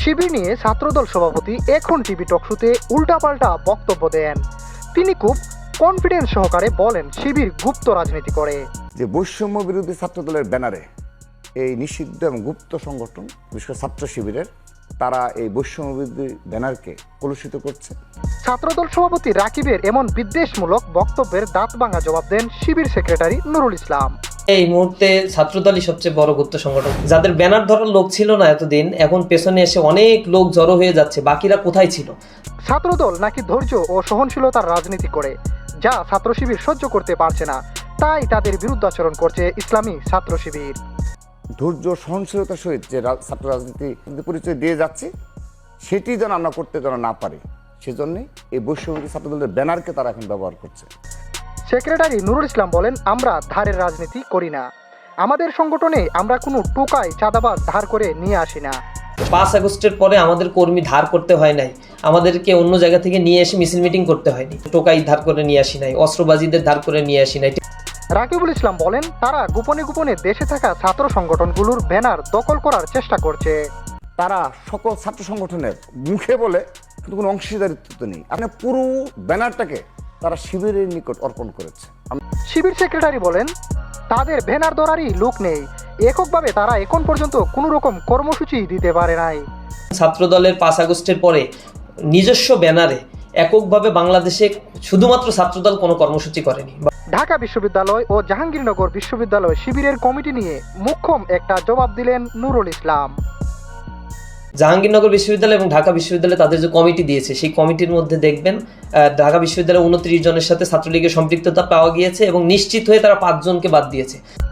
শিবির নিয়ে ছাত্রদল সভাপতি এখন টিভি টকশোতে উল্টাপাল্টা বক্তব্য দেন। তিনি খুব কনফিডেন্স সহকারে বলেন শিবির গুপ্ত রাজনীতি করে। যে বৈষম্য বিরোধী ছাত্রদলের ব্যানারে এই নিষিদ্ধ এবং গুপ্ত সংগঠন বিশেষ করে ছাত্র শিবিরের তারা এই বৈষম্য বিরোধী ব্যানারকে কলুষিত করছে। ছাত্রদল সভাপতি রাকিবের এমন বিদ্বেষমূলক বক্তব্যের দাঁত ভাঙা জবাব দেন শিবির সেক্রেটারি নুরুল ইসলাম। এই মুহূর্তে ছাত্রদলই সবচেয়ে বড় গুপ্ত সংগঠন। যাদের ব্যানার ধরার লোক ছিল না এতদিন, এখন পেছনে এসে অনেক লোক জড়ো হয়ে যাচ্ছে। বাকিরা কোথায় ছিল? ছাত্রদল নাকি ধৈর্য ও সহনশীলতার রাজনীতি করে, যা ছাত্র শিবির সহ্য করতে পারছে না, তাই তাদের বিরুদ্ধাচরণ করছে ইসলামী ছাত্র শিবির। ধৈর্য সহনশীলতার সহিত যে ছাত্র রাজনীতি পরিচয় দিয়ে যাচ্ছে সেটি যেন আমরা করতে যেন না পারি, সেজন্যই এই বৈষম্য ছাত্রদলের ব্যানারকে তারা এখন ব্যবহার করছে। সেক্রেটারি নুরুল ইসলাম বলেন, আমরা ধারের রাজনীতি করি না। আমাদের সংগঠনে আমরা কোনো টোকাই চাঁদাবাজ ধার করে নিয়ে আসি না। 5 আগস্টের পরে আমাদের কর্মী ধার করতে হয় নাই, আমাদেরকে অন্য জায়গা থেকে নিয়ে এসে মিছিল মিটিং করতে হয়নি। টোকাই ধার করে নিয়ে আসি নাই, অস্ত্রবাজিদের ধার করে নিয়ে আসি নাই। রাকিবুল ইসলাম বলেন, তারা গোপনে গোপনে দেশে থাকা ছাত্র সংগঠনগুলোর ব্যানার দখল করার চেষ্টা করছে। তারা সকল ছাত্র সংগঠনের মুখে বলে কিন্তু কোনো অংশীদারিত্ব নেই। আপনি পুরো ব্যানারটাকে তারা শিবিরের নিকট অর্পণ করেছে। শিবির সেক্রেটারি বলেন, তাদের ব্যানার ধরারই লোক নেই। এককভাবে তারা এখন পর্যন্ত কোনো রকম কর্মসূচি দিতে পারে নাই। ছাত্রদলের 5 আগস্টের পরে নিজস্ব ব্যানারে এককভাবে বাংলাদেশে শুধুমাত্র ছাত্রদল কোনো কর্মসূচি করেনি। ঢাকা বিশ্ববিদ্যালয় ও জাহাঙ্গীরনগর বিশ্ববিদ্যালয় শিবিরের কমিটি নিয়ে মুখ্যম একটা জবাব দিলেন নুরুল ইসলাম। জাহাঙ্গীরনগর বিশ্ববিদ্যালয় এবং ঢাকা বিশ্ববিদ্যালয় তাদের যে কমিটি দিয়েছে, সেই কমিটির মধ্যে দেখবেন ঢাকা বিশ্ববিদ্যালয়ে 29 জনের সাথে ছাত্রলীগের সম্পৃক্ততা পাওয়া গিয়েছে এবং নিশ্চিত হয়ে তারা 5 জনকে বাদ দিয়েছে।